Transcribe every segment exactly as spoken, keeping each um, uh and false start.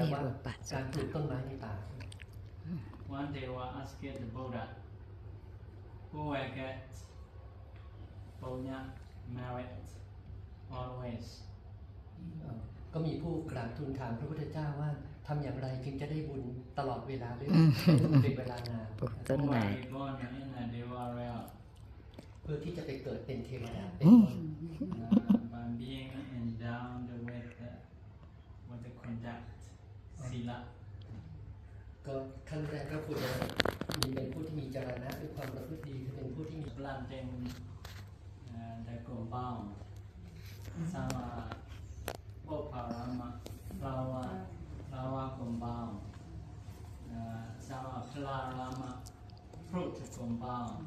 ว่าการปลูกต้นไม้ในป่า One day we asked the Buddha, who will get punya merit always? เอ่อก็มีผู้กราบทูลถามพระพุทธเจ้าว่าทำอย่างไรจึงจะได้บุญตลอดเวลาหรือเป็นเวลานานปลูกต้น Who ไม้ will be born in a Deva realm เพื่อที่จะไปเกิดเป็นเทวดาเป็นต้น uh, by being endowed with the, with the conduct, sila. ก็ขั้นแรกก็ควรจะมีเป็นผู้ที่มีจรณะด้วยความประพฤติดีคือเป็นผู้ที่มี Planting uh, the compound sama Boparama flower flower compound uh, sama Plarama fruit compound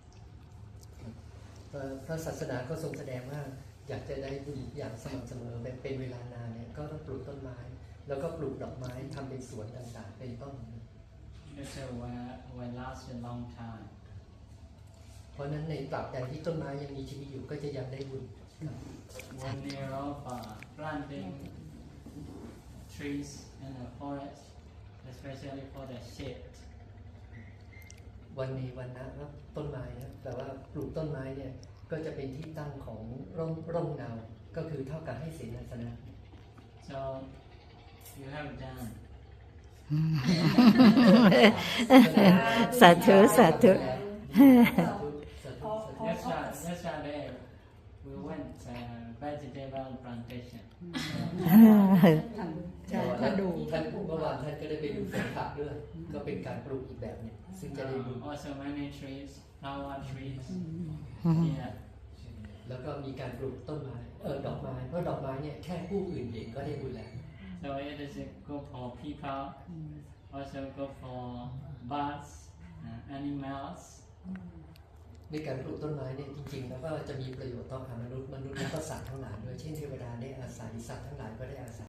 เอ่อพระศาสนาก็ทรงแสดงว่าอยากจะได้บุญอย่างสม่ำเสมอแบบเป็นเวลานานเนี่ยก็ต้องปลูกต้นไม้ แล้วก็ปลูกดอกไม้ทำเป็นสวนต่างๆเป็นต้น It will, will last a long time. เพราะฉะนั้นในตราบใดที่ต้นไม้ยังมีชีวิตอยู่ก็จะยังได้บุญครับ One year of uh, planting trees in the forest, especially for the shade. วันนี้วันนะว่าต้นไม้นะแต่ว่าปลูกต้นไม้เนี่ยก็จะเป็นที่ตั้งของร่มร่มเงาก็คือเท่ากับให้เสนาสนะ So you have done. สาธุสาธุ Yesterday, yesterday we went uh, vegetable plantation. ใช่ถ้าดูท่านเมื่อวานท่านก็ได้ไปดูสวนผักด้วย ก็เป็นการปลูกอีกแบบหนึงซึ่งจะได้บุญ Uh, also many trees, flower trees. Yeah. แล้วก็มีการปลูกต้นไม้เออดอกไม้เพราะดอกไม้เนี่ยแค่ผู้อื่นเห็นก็ได้บุญแล้ว So it is good for people, also good for birds, uh, animals. ในการปลูกต้นไม้เนี่ยจริงๆแล้วก็จะมีประโยชน์ต่อมนุษย์มนุษย์และก็สัตว์ทั้งหลายด้วยเช่นเทวดาได้อาศัยสัตว์ทั้งหลายก็ได้อาศัย